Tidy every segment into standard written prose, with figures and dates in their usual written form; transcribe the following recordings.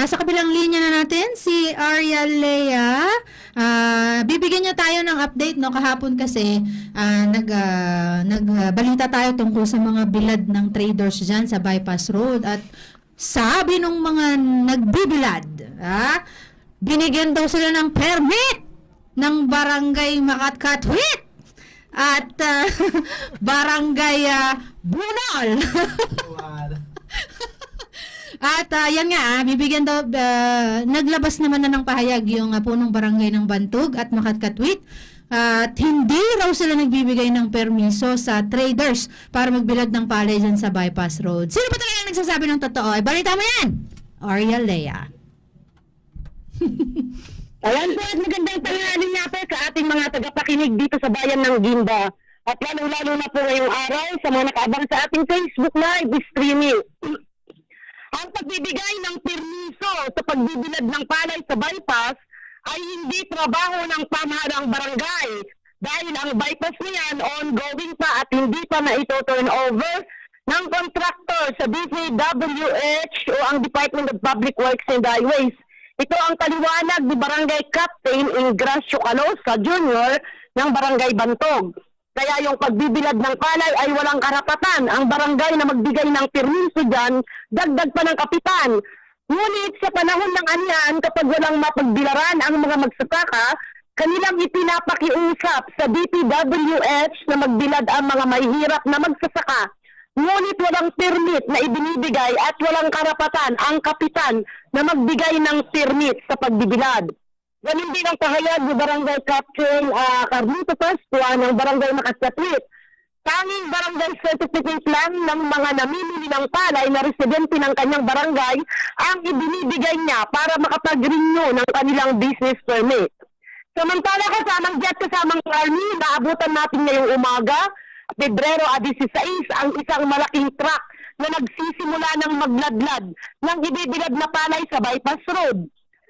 Nasa kabilang linya na natin si Arya Lea. Bibigyan niya tayo ng update, no? Kahapon kasi nagbalita tayo tungkol sa mga bilad ng traders dyan sa Bypass Road. At sabi nung mga nagbibilad, binigyan daw sila ng permit ng Barangay Makatkatwit at Barangay Bunol. At yan nga, bibigyan daw, naglabas naman na ng pahayag yung punong barangay ng Bantog at Makatkatwit. At hindi raw sila nagbibigay ng permiso sa traders para magbilad ng palay dyan sa Bypass Road. Sino ba talaga nagsasabi ng totoo? Balita mo yan, Arya Lea. Ayan po at magandang tanghali nga po sa ating mga tagapakinig dito sa bayan ng Gimba. At lalo-lalo na po ngayong araw sa mga nakaabang sa ating Facebook Live streaming. Ang pagbibigay ng permiso sa pagbibilad ng palay sa bypass ay hindi trabaho ng pamahalang barangay dahil ang bypass na yan ongoing pa at hindi pa na ito turn over ng contractor sa DPWH o ang Department of Public Works and Highways. Ito ang paliwanag ni Barangay Captain Ingracio Calosa Jr. ng Barangay Bantog. Kaya yung pagbibilad ng palay ay walang karapatan ang barangay na magbigay ng permiso dyan, dagdag pa ng kapitan. Ngunit sa panahon ng anyan, kapag walang mapagbilaran ang mga magsasaka, kanilang ipinapakiusap sa DPWH na magbilad ang mga mahihirap na magsasaka. Ngunit walang permit na ibinibigay at walang karapatan ang kapitan na magbigay ng permit sa pagbibilad. Ganun din ang pahayag ni Barangay Captain Carlito Pascua ng Barangay Makatkatwit. Tanging barangay certificate lang ng mga namimili ng palay na residente ng kanyang barangay ang ibinibigay niya para makapag-renew ng kanilang business permit. Samantala kasamang jet kasamang army, naabutan natin ngayong umaga, Pebrero 16, ang isang malaking truck na nagsisimula ng magladlad ng ibibilad na palay sa Bypass Road.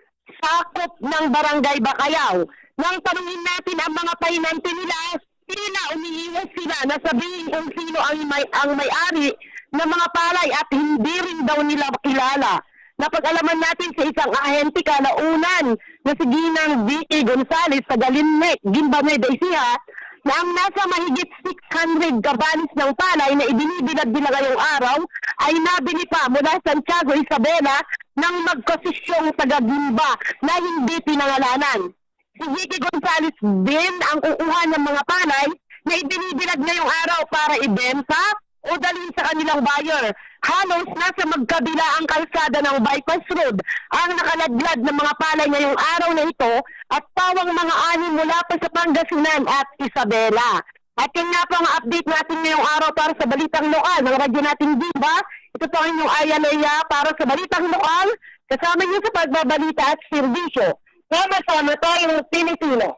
Sakop ng Barangay Bacayao. Nang tanungin natin ang mga pahinante nila, umiiwas sila na sabihin kung sino ang may-ari ng mga palay at hindi rin daw nila kilala. Napag-alaman natin sa isang ahente kalaunan na si Ginang Vicky Gonzales sa Galinec, Gimba, Nueva Ecija, na ang nasa mahigit 600 kabanis ng palay na ibinibilad nila ngayong araw ay nabili pa mula Santiago Isabela ng magkosisyong taga-Gimba na hindi pinangalanan. Si Vicky Gonzales din ang kukuha ng mga palay na ibinibilad ngayong araw para ibenta o dalhin sa kanilang buyer. Halos nasa magkabila ang kalsada ng Bypass Road ang nakaladlad ng mga palay ngayong araw na ito at pawang mga ani mula pa sa Pangasinan at Isabela. At yun nga po ang update natin ngayong araw para sa Balitang Lokal ng radyo natin Gimba. Ito po ang inyong Arya Lea para sa Balitang Lokal. Kasama niyo sa pagbabalita at serbisyo. Sama-sama tayong Pilipino.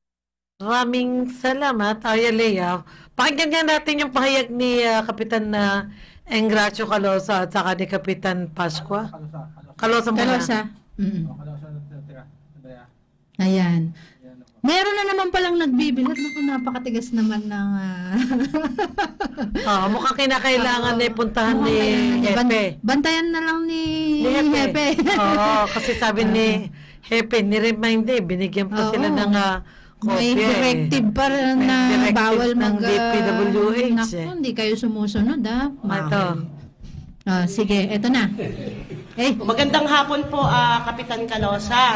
Maraming salamat, Arya Lea. Pakinggan nga natin yung pahayag ni Kapitan Engracio Calosa at saka ni Kapitan Pascua. Calosa muna. Calosa. Ayan. Meron na naman palang nagbibilad. Naku, napakatigas naman ng... Mukhang kinakailangan na puntahan ni Hepe. Bantayan na lang ni Hepe. Oo, kasi sabi ni Hepe, ni-remind binigyan pa sila ng kopya. May directive pa na bawal ng DPWH. Naku, hindi kayo sumusunod, Ito. Sige, eto na. Magandang hapon po, Kapitan Calosa.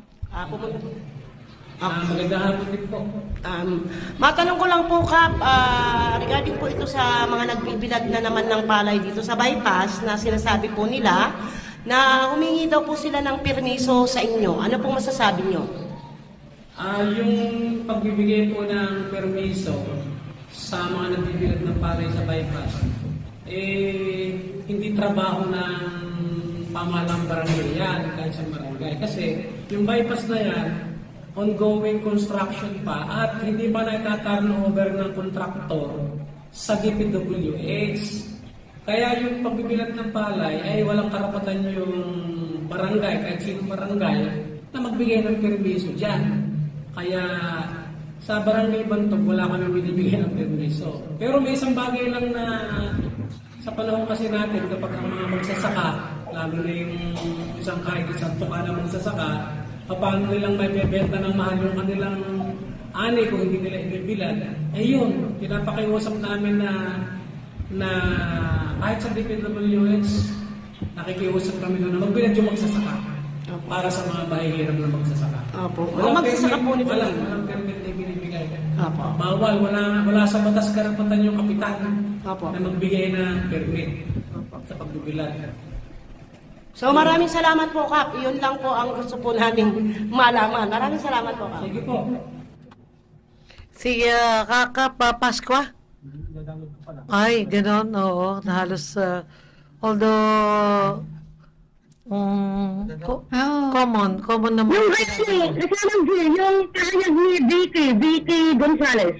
Magandang hapon din po. Matanong ko lang po, Kap, regarding po ito sa mga nagbibilad na naman ng palay dito sa bypass na sinasabi po nila na humingi daw po sila ng permiso sa inyo. Ano pong masasabi nyo? Yung pagbibigay po ng permiso sa mga nagbibilad ng palay sa bypass, hindi trabaho ng pamahalang barangay yan, kahit sa barangay. Kasi yung bypass na yan, ongoing construction pa at hindi pa na-turn over ng kontraktor sa DPWH. Kaya yung pagbibilad ng palay ay walang karapatan yung barangay, kahit sino barangay, na magbigay ng permiso dyan. Kaya sa Barangay Bantog, wala kami binibigay ng permiso. Pero may isang bagay lang na sa panahon kasi natin, kapag ang mga magsasaka lalo na yung kahit isang tuka na magsasaka, paano nilang may bebenta ng mahal yung kanilang ani kung hindi nila ibibilad. Eh yun, pinapakiusap namin na kahit sa DPWH, nakikiusap kami doon na magbilad yung magsasaka para sa mga mahihirap na magsasaka. Opo. Magsasaka po nito. Walang permit na binibigay. Opo. Bawal, wala sa batas karapatan yung kapitan Opo. na magbigay ng permit sa pagbibilad. So maraming salamat po, Kap. Yun lang po ang gusto po namin malaman. Maraming salamat po, Kap. Sige po. Si Kaka Pasqua? Ay, ganon, oo. Na halos, although, Oo. common naman. Yung kasama yung pahayag ni Vicky Gonzales.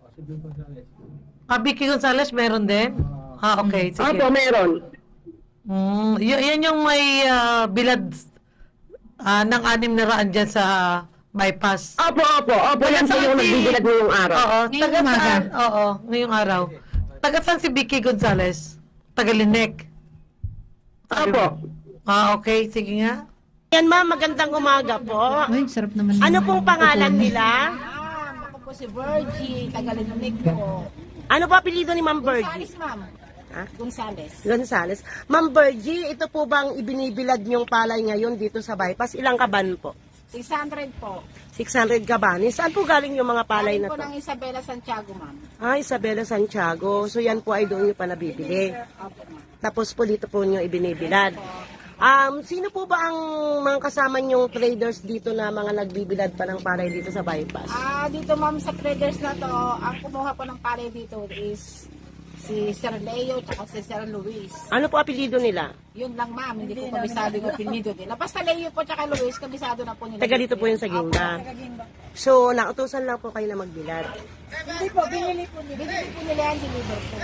Vicky Gonzales, meron din? Okay, sige. Opo, meron. Yan yung may bilad ng 600 dyan sa bypass. Opo. Yan po yung nagbibilag ngayong araw. Oo, Ngayong taga umaga. saan? Oo, ngayong araw. Taga saan si Vicky Gonzales? Taga Linek. Opo. Okay, sige nga. Yan, ma'am. Magandang umaga po. Uy, sarap naman. Ano pong pangalan nila? Ako po si Virgie, Tagalinunig po. Ano po apelido ni Ma'am Virgie? Gonzales, ma'am. Ha? Gonzales. Gonzales. Ma'am Virgie, ito po bang ibinibilad niyong palay ngayon dito sa bypass? Ilang kaban po? 600 po. 600 kabanin. Saan po galing yung mga palay Galing na po to? ng Isabela Santiago, ma'am. Isabela Santiago. So yan po ay doon nyo pa nabibili. Opo, ma'am. Tapos po dito po nyo ibinibilad. Sino po ba ang mga kasama nyong traders dito na mga nagbibilad pa ng palay dito sa bypass? Dito, ma'am, sa traders na to, ang kumuha po ng palay dito is si Sir Leo at si Sir Luis. Ano po apelido nila? Yun lang, ma'am. Hindi ko kabisado yung pinido nila. Basta Leo po at Luis, kabisado na po nila. Taga dito po yun sa Ginda. Opo, taga Ginda. So, nautusan lang po kayo na magbilad. Hindi po, binili po nila. Binili po nila yan, deliver po.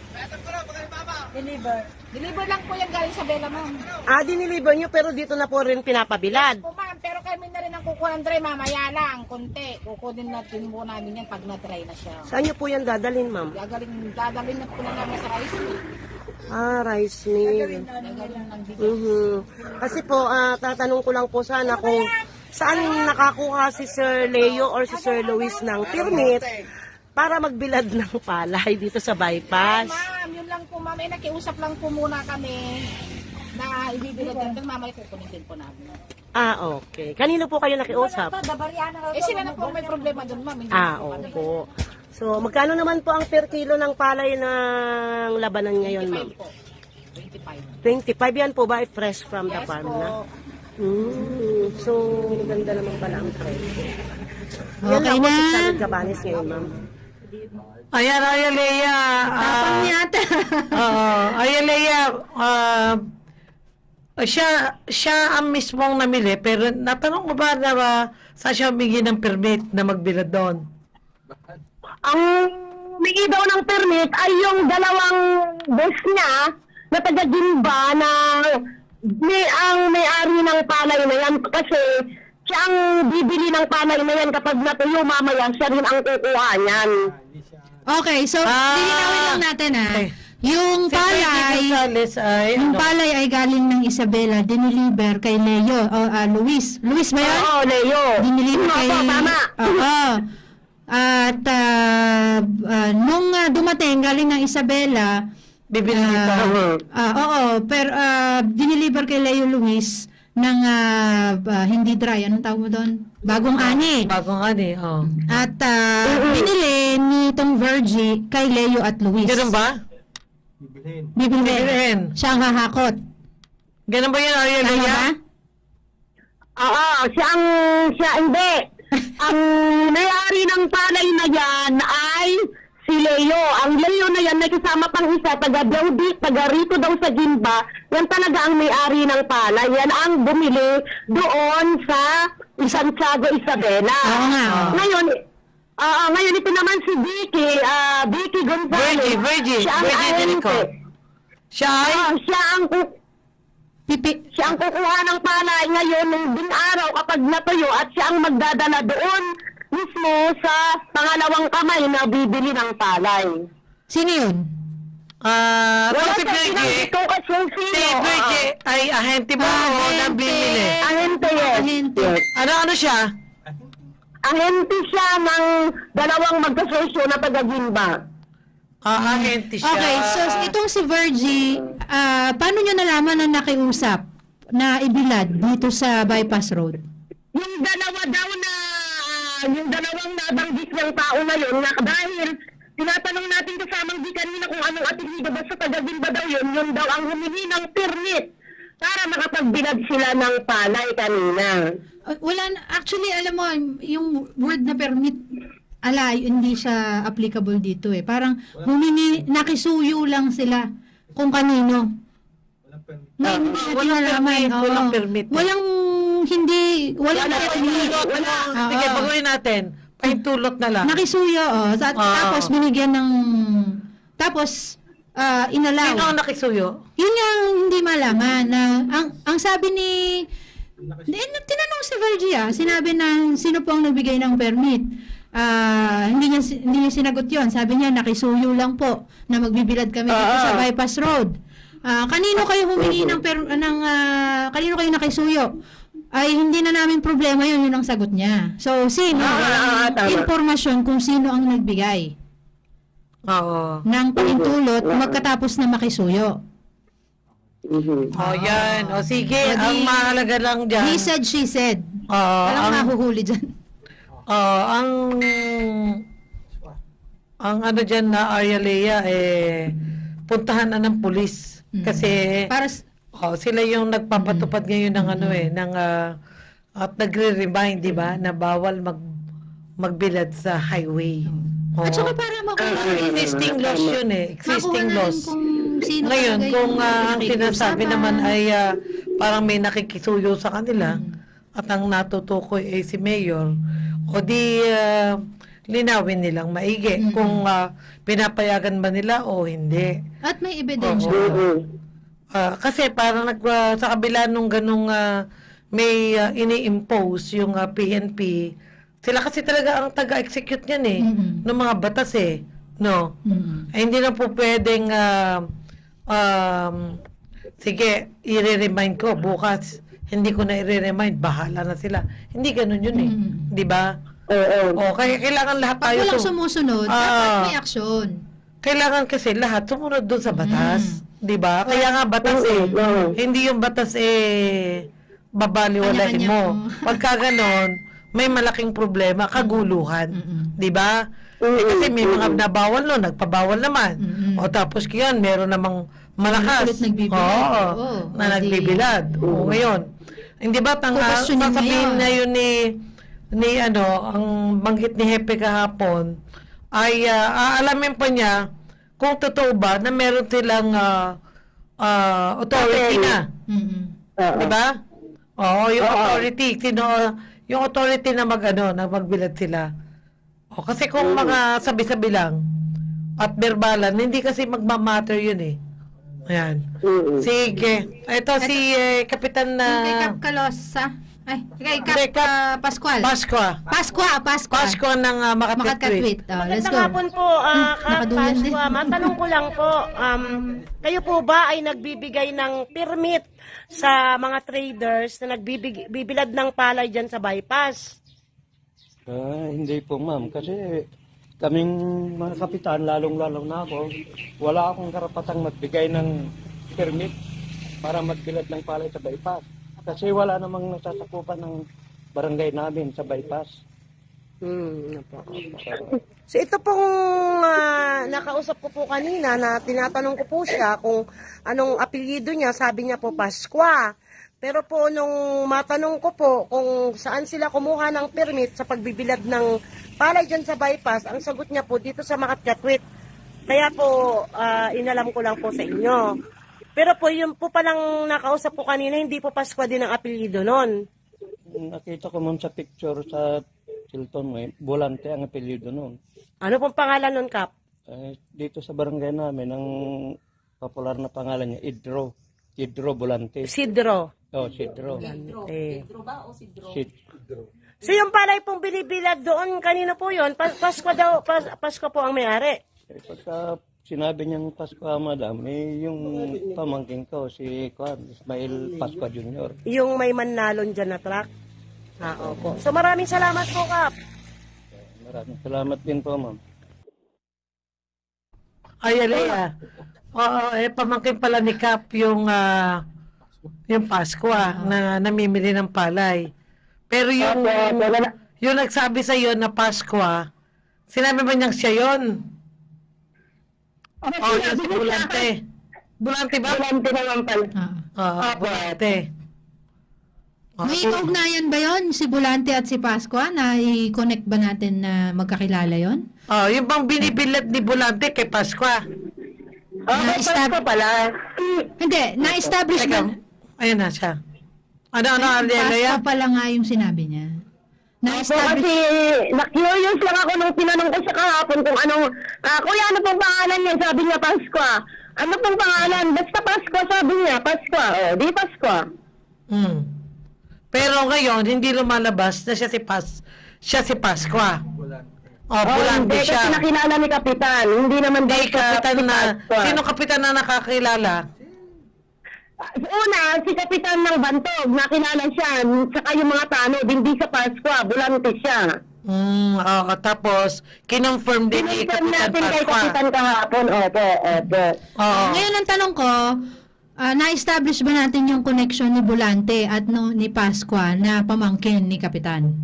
Deliver lang po yan galing sa Bella, ma'am. Diniliver nyo pero dito na po rin pinapabilad. Po, ma'am, pero kami na rin ang kukuha ng dry, mamaya lang, konti. Kukunin natin po namin yan pag na-dry na siya. Saan nyo po yan dadalhin, ma'am? Dadalhin na po na namin sa rice mill. Rice mill. Dadalhin ng bigay. Kasi po, tatanong ko lang po sana kung saan nakakuha si Sir Leo or si Sir Luis ng permit para magbilad ng palay dito sa bypass. Ma'am, yun lang po, ma'am. Nakiusap lang po muna kami na ibibilad yan. Pero mamaya kukunin din po namin. Okay. Kanino po kayo nakiusap? Sila na po may problema doon, ma'am. Hindi po kami. Opo. So, magkano naman po ang per kilo ng palay ng labanan ngayon, ma'am? 25. 25 yan po ba? Fresh from the Yes farm po. na? So, ganda naman pala ang presyo. Yan Okay lang po, na. 600 kabanis ngayon, ma'am. Ayan, Lea. Tapang yata. Lea, siya ang mismong namili, pero natanong ko ba na saan siya humingi ng permit na magbilad doon? Ang humingi daw ng permit ay yung dalawang boss niya na taga Ginba na ang may-ari ng palay na yan kasi siya ang bibili ng palay na yan kapag natuyo mamaya siya rin ang kukuha niyan. Okay, so lilinawin lang natin Okay. Yung Si Vicky palay, Gonzales ay, yung palay ay galing ng Isabela, diniliver kay Leo, Luis. Luis ba yun? Oo, Leo. Diniliver kay... Opo, tama. Oo. At nung dumating, galing ng Isabela, bibili nito. pero diniliver kay Leo Luis ng hindi dry. Anong tawag mo doon? Bagong ani. Bagong ani, oh. At binili nitong Virgie kay Leo at Luis. Ganun ba? Bibilhin. Bibilhin. Siya ang hahakot. Ganun ba yun, Lea? Tama ba? Oo, siya hindi. Ang may-ari ng palay na yan ay si Leo. Ang Leo na yan, may kasama pang isa, taga Daudi, taga Rico daw sa Ginba. Yan talaga ang may-ari ng palay. Yan ang bumili doon sa Santiago, Isabela. Oo nga. Ngayon ito naman si Vicky Gonzales. Virgie Siya ang Delico. ahente. Siya ay? Siya ang kukuha ng palay ngayon ng din araw kapag natuyo at siya ang magdadala doon mismo sa pangalawang kamay na bibili ng palay. Sino yun? Wala si siyang Virgie, pinanggit kung kasyang sino. si Virgie ay ahente mo o nabibili? Ahente yes. Ahente. Yes. Ano siya? Ahente siya ng dalawang magkasosyo na taga-Gimba. Ahente siya. Okay, so itong si Virgie, paano nyo nalaman na nakiusap na ibilad dito sa bypass road? Yung dalawa daw na, yung dalawang nabanggit ng tao na yun, na dahil tinatanong natin kasamang di kanina kung anong apelido ba sa taga-Gimba daw yun daw ang humingi ng permit para makapagbilad sila ng palay kanina. Actually, alam mo, yung word na permit, hindi siya applicable dito eh. Parang nakisuyo lang sila kung kanino. Hindi walang nalaman. permit, Oo. Walang permit. Sige, baguhin natin. Pahintulot na lang. Nakisuyo, tapos binigyan ng, tapos, inalaw. Sino ang nakisuyo? Yun nga ang hindi malaman. Ang sabi ni, tinanong si Virgie, sinabi na sino po ang nagbigay ng permit. Hindi niya sinagot yon. Sabi niya, nakisuyo lang po na magbibilad kami dito sa bypass road. Kanino kayo humingi kanino kayo nakisuyo? Ay hindi na namin problema yun ang sagot niya. So, sino? Tama. Impormasyon kung sino ang nagbigay Oo. ng pahintulot magkatapos na makisuyo. Yan. O sige, ang mahalaga lang dyan. He said, she said. Oo, Walang mahuhuli dyan. Ang ano dyan na Arya Lea, puntahan na ng pulis. Kasi, Para sila yung nagpapatupad ngayon ng at nagre-remind, di ba, na bawal magbilad sa highway. at saka para makuha Existing laws yun existing laws. kung sino Ngayon, talaga kung yung ang sinasabi nakikiusapan. naman ay parang may nakikisuyo sa kanila at ang natutukoy ay si Mayor, o di linawin nilang maigi kung pinapayagan ba nila o hindi. At may ebidensya. Kasi parang sa kabila nung ganung may ini-impose yung PNP, sila kasi talaga ang taga-execute niyan ng mga batas no? Hindi na po pwedeng sige, i-remind ko bukas, hindi ko na i-remind, bahala na sila. Hindi ganun yun di ba? Kaya kailangan lahat Pag tayo walang sumusunod, dapat may aksyon. kailangan kasi lahat sumunod doon sa batas. Di ba? Kaya nga batas hindi yung batas babaliwalain mo. Pagka ganon, may malaking problema, kaguluhan. Di ba? Kasi may mga nabawal no, nagpabawal naman. O tapos yan, meron namang malakas. Ulit nagbibilad. Na nagbibilad. O ngayon, hindi ba Kukwestiyonin sasabihin ngayon. na yun ni ang banggit ni Hepe kahapon ay aalamin pa niya kung totoo ba na meron silang authority na. Di ba? Oo, yung authority. Yung authority na na magbilad sila. O, kasi kung mga sabi-sabi lang at verbalan, hindi kasi magmamatter yun Ayan. Sige. Ito si Kapitan na... Kay Cap Calosa. Kay Cap Pascual. Pasqua ng Makati-Tweet. Makati-Tweet. Let's Magandang go. hapon po, nakadulan din. Pasqua. Matanong ko lang po, kayo po ba ay nagbibigay ng permit sa mga traders na nagbibilad ng palay dyan sa bypass? Hindi po ma'am, kasi kaming mga kapitan, lalong-lalong na ako, wala akong karapatang magbigay ng permit para magbilad ng palay sa bypass. Kasi wala namang nasasakupan ng barangay namin sa bypass. So ito pong nakausap ko po kanina na tinatanong ko po siya kung anong apelyido niya, sabi niya po Pasqua. Pero po nung matanong ko po kung saan sila kumuha ng permit sa pagbibilad ng palay dyan sa bypass, ang sagot niya po dito sa Makati-Tweet. Kaya po inalam ko lang po sa inyo. Pero po yung po palang nakausap ko kanina, hindi po Pasqua din ang apelyido nun. Nakita ko ma'am sa picture sa Hilton mo, Volante ang apelyido noon. Ano pong pangalan nun, Kap? Dito sa barangay namin, ang popular na pangalan niya, Idro Volante. Sidro. Sidro. Sidro ba o Sidro? Sidro. So yung palay pong binibilad doon, kanina po yun, Pasko daw, Pasko po ang may-ari. Pagka sinabi niyang Pasko, madam, yung pamangkin ko, si Ismail Pascua Jr. Yung may manlalon dyan na truck? Opo. So maraming salamat po, Kap. Maraming salamat din po, ma'am. Ay, Alea. Oo, pamangkin pala ni Kap yung Pascua na namimili ng palay. Pero yung nagsabi sa iyo na Pascua, sinabi ba niyang siya yun? Oh, yung si Bulante. Bulante ba? Bulante naman pala. Oo. Bulante. May kaugnayan ba yon si Bulante at si Pascua na i-connect ba natin na magkakilala yon? Oh, yung bang binibilad ni Bulante kay Pascua? Pasko pala. Hindi, na-establish Teka, ba? ayun na siya. Ano, Pascua Alea? pala nga yung sinabi niya. Opo, Na-establish. kasi na-curious lang ako nung tinanong ko siya kahapon kung anong, kuya, ano pong pangalan niya? Sabi niya, Pasko. Ano pong pangalan? Basta Pasko, sabi niya, Pasko. Di Pasko. Pero ngayon, hindi lumalabas na siya si Pascua. Bulante Hindi, siya. kasi nakilala ni Kapitan. Hindi naman Hindi daw siya kapitan si na, Pasko. sino kapitan na nakakilala? Una, si Kapitan ng Bantog, nakilala siya. Saka yung mga tanod, hindi sa Pasko, Bulante siya. Oo, tapos, kinonfirm din ni Pinuntan Kapitan natin kay Pascua. Kapitan kahapon. Opo. Oo. Ngayon ang tanong ko, na-establish ba natin yung connection ni Bulante at ni Pascua na pamangkin ni Kapitan?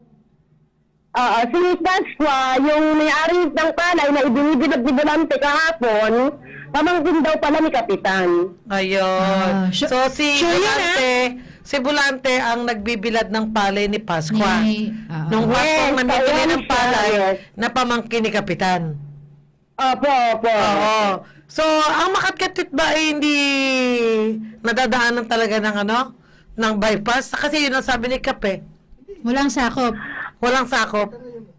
Si Pasqua, yung may-ari ng palay na ibinibilad ni Bulante kahapon, pamangkin daw pala ni Kapitan. Ayun. So, si sure yun, Bulante ang nagbibilad ng palay ni Pascua. Nung Yes, Paskong namimili ayan ng siya, palay yes. na pamangkin ni Kapitan. Opo. Oo. So, ang Makatkatit ba ay hindi nadadaanan talaga ng bypass? Kasi yun ang sabi ni Kape. Walang sakop. Walang sakop.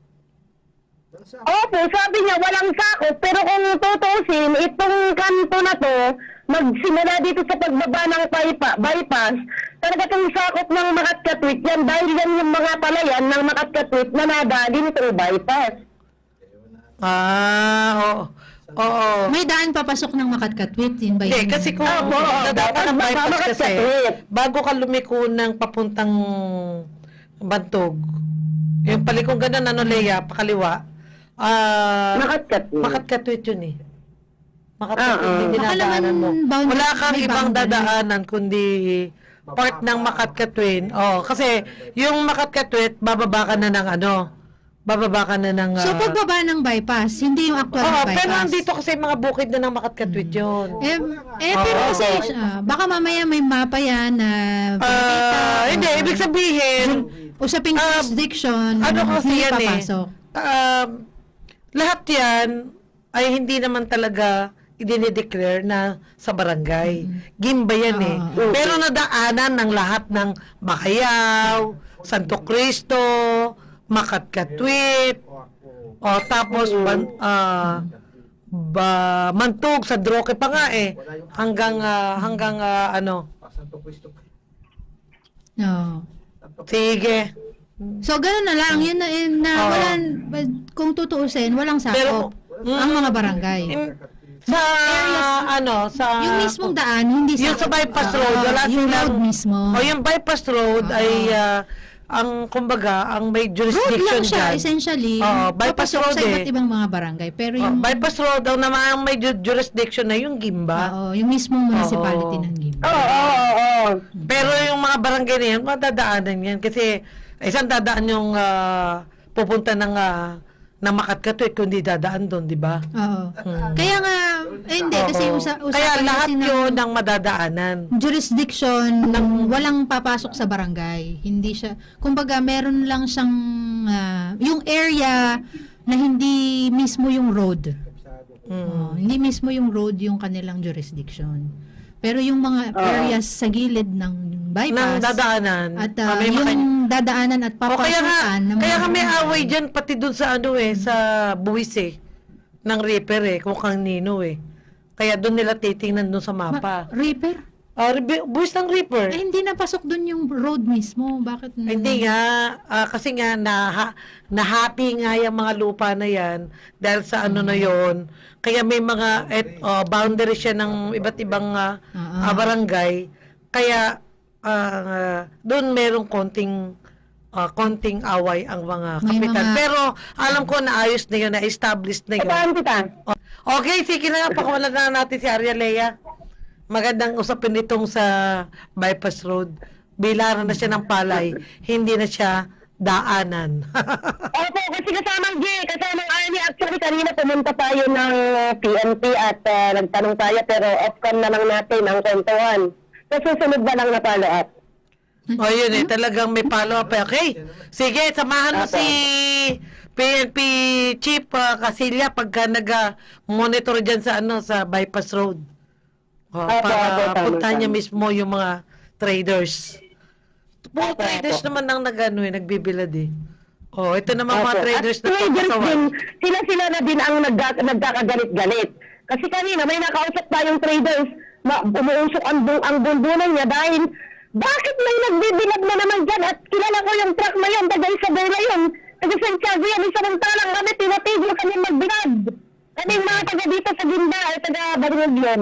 Opo, sabi niya walang sakop, pero kung tutusin, itong kanto na to, magsimula dito sa pagbaba ng bypass, talaga itong sakop ng Makatkatwit yan, dahil yan yung mga palayan ng Makatkatwit na nadali nitong bypass. Oo. May daan papasok ng Makatkatwit, yun ba yun? Hindi, kasi kung dadaan ng bypass kasi, bago ka lumiko ng papuntang Bantog, yung palikong ganun, Lea, pakaliwa, Makatkatwit. Makatkatwit yun eh. Makatkatwit, hindi Baka dinadaanan mo. naman boundary- Wala kang may ibang boundary. dadaanan kundi part ng Makatkatwit. Kasi yung Makatkatwit, bababa ka na ng So, pagbaba ng bypass, hindi yung actual na bypass. pero nandito kasi mga bukid na ng Makatkatwit yun. Pero kasi, baka mamaya may mapa yan na Hindi, ibig sabihin, usaping jurisdiction, ano kasi hindi yan papasok. Lahat yan ay hindi naman talaga idinideclare na sa barangay. Gimba yan Pero nadaanan ng lahat ng Macayaw, Santo Cristo, Makatkatwit, tapos Mantug, sa Droque pa nga hanggang No. Sige. So, ganun na lang. Yun na kung tutuusin, walang sakop. Ang mga barangay. Yung mismong daan, hindi yung sa bypass road, wala yung silang- road mismo. Yung bypass road ay ang may Road jurisdiction lang siya, dyan. essentially. Bypass Papasok road sa iba't ibang mga barangay. Pero yung, bypass road daw naman ang may jurisdiction na yung Gimba. yung mismong municipality ng Gimba. Oo. Pero yung mga barangay na yan, madadaanan yan. Kasi isang dadaan yung pupunta ng Makatkatwit kundi dadaan doon, di ba? Oo. Kaya nga, hindi, kasi usapan Kaya lahat kasi ng yun ang madadaanan. jurisdiction ng walang papasok sa barangay. Hindi siya, kumbaga meron lang siyang, yung area na hindi mismo yung road. Hindi mismo yung road yung kanilang jurisdiction. Pero yung mga areas sa gilid ng bypass, Ng dadaanan. at may yung dadaanan at kaya nga, papasukan ng kaya mga nga may barangay. away dyan pati dun sa sa buwis ng Reaper kung kanino Kaya dun nila titingnan dun sa mapa. Reaper? Buwis ng reaper. Eh, hindi napasok dun yung road mismo. Bakit? Hindi nga, kasi nga nahappy nga yung mga lupa na yan dahil sa ano na yon. Kaya may mga boundary siya ng iba't ibang barangay. Kaya doon merong konting away ang mga May kapitan. mga- Pero alam ko na ayos na yun, na-established na yun. Saan kita? Okay, sige na nga, pakawalan na natin si Arya Lea. Magandang usapin itong sa bypass road. Bilaran na siya ng palay, hindi na siya daanan. Opo, kasi kasamang kasamang Arnie. Actually, kanina pumunta tayo ng PNP at nagtanong tayo, pero off-cam na lang natin ang kwentuhan. So, susunod na lang na follow-up. O yun talagang may follow-up. Okay, sige, samahan mo si PNP Chief Casilya pagka nag-monitor dyan sa, sa bypass road. Para tama, puntahan niya tama. mismo yung mga traders. Puro traders naman ang nagbibilad eh. Oh, ito naman mga traders na traders papasawan. din, sila na din ang nagkakagalit-galit. Kasi kanina may nakausap tayong traders na umuusok ang bundunan niya dahil bakit may nagbibilag na naman dyan at kilala ko yung truck na yun, taga Isabela yun, taga San Tiago yan, samantalang kami tinatigil kami magbilag. Kaming mga taga dito sa Ginda at taga Barangay yun.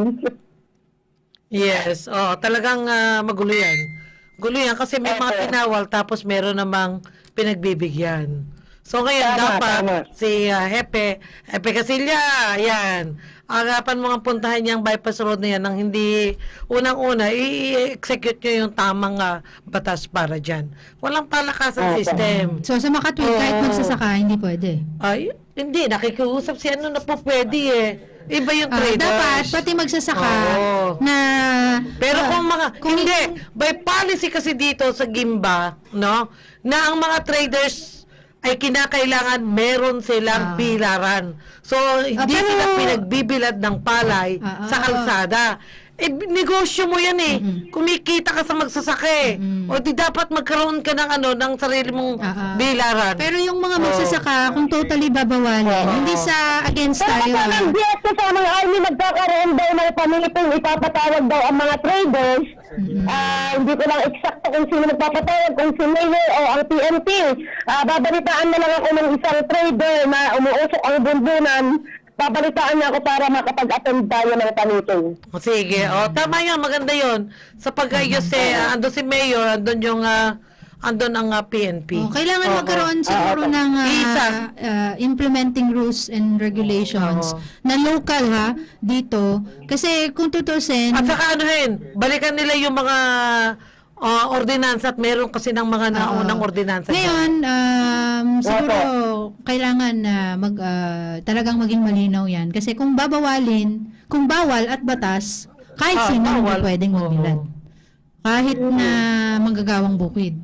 Yes, talagang magulo yan. Gulo yan kasi may mga tinawal tapos meron namang pinagbibigyan. So ngayon Tama, dapat tama. si Hepe Casilya, yan. Agapan mo nga puntahan niyang bypass road na yan nang hindi unang-una i-execute niyo yung tamang batas para dyan. Walang palakasan system. So, sa Makatwid, kahit magsasaka, hindi pwede. Ay, hindi. Nakikiusap si ano na po pwede eh. Iba yung traders. Dapat, pati magsasaka Oo. na... Pero kung hindi, by policy kasi dito sa Gimba, no, na ang mga traders ay kinakailangan meron silang pilaran. So, hindi pero- sila pinagbibilad ng palay sa kalsada. Eh, negosyo mo yan eh. Kumikita ka sa magsasake. O di dapat magkaroon ka ng sarili mong bilaran. Pero yung mga magsasaka, kung totally babawalin, hindi sa against tayo. Kasamang GS kasamang Army nagkakaroon daw ng pamilipong ipapatawag daw ang mga traders. Hindi ko lang eksakto kung sino nagpapatawag, kung si Mayor o ang PNP. Babalitaan na lang ako ng isang trader na umuusok ang bundunan. Babalitaan niya ako para makapag-attend tayo ng pamiting. Sige. Tama yan. Maganda yon. Sa pag-ayos andun si Mayor, andun ang PNP. Kailangan magkaroon siguro ng implementing rules and regulations na local dito. Kasi kung tutusin, At saka balikan nila yung mga ordinansa at meron kasi ng mga naunang ordinansa. ngayon, siguro kailangan na talagang maging malinaw yan. Kasi kung babawalin, kung bawal at batas, kahit sino hindi bawal. pwedeng magbilad. Kahit na manggagawang bukid.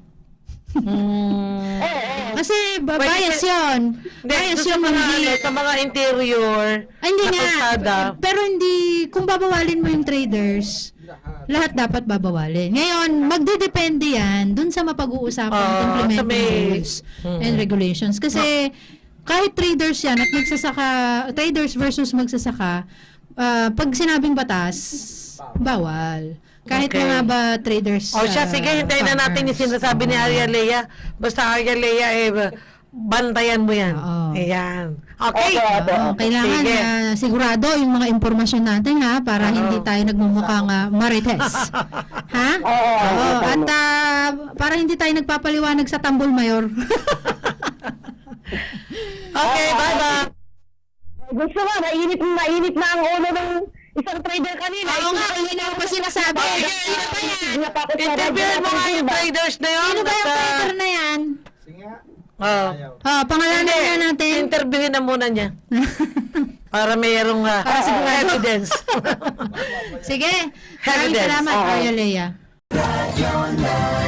Kasi bias yun. Bias yun Sa mga interior, Ay, hindi na nga. kalsada. Pero hindi, kung babawalin mo yung traders, lahat dapat babawalin. Ngayon, magdedepende yan dun sa mapag-uusapan implementing sa may- rules and regulations. Kasi kahit traders yan at magsasaka, traders versus magsasaka, pag sinabing batas, bawal. Kahit Okay. mga ba traders. Sige, hintayin na natin yung farmers. sinasabi ni Arya Lea. Basta Arya Lea, bantayan mo yan. Oo. Ayan. Okay. Kailangan Sige. sigurado yung mga impormasyon natin para hindi tayo nagmumukhang marites. Ha? Oo. At para hindi tayo nagpapaliwanag sa Tambol Mayor. Okay, bye-bye. Gusto mo, mainit na ang ulo ng isang trader kanina. Oo nga, hindi na pa sinasabi. Sino ba yan? Interviewin mo nga yung traders na yun. Sino ba yung trader na yan? Oh. Pangalanan na natin. Interviewin na muna niya. Para mayroong evidence. Sige. Maraming Evidence. salamat, Arya Lea.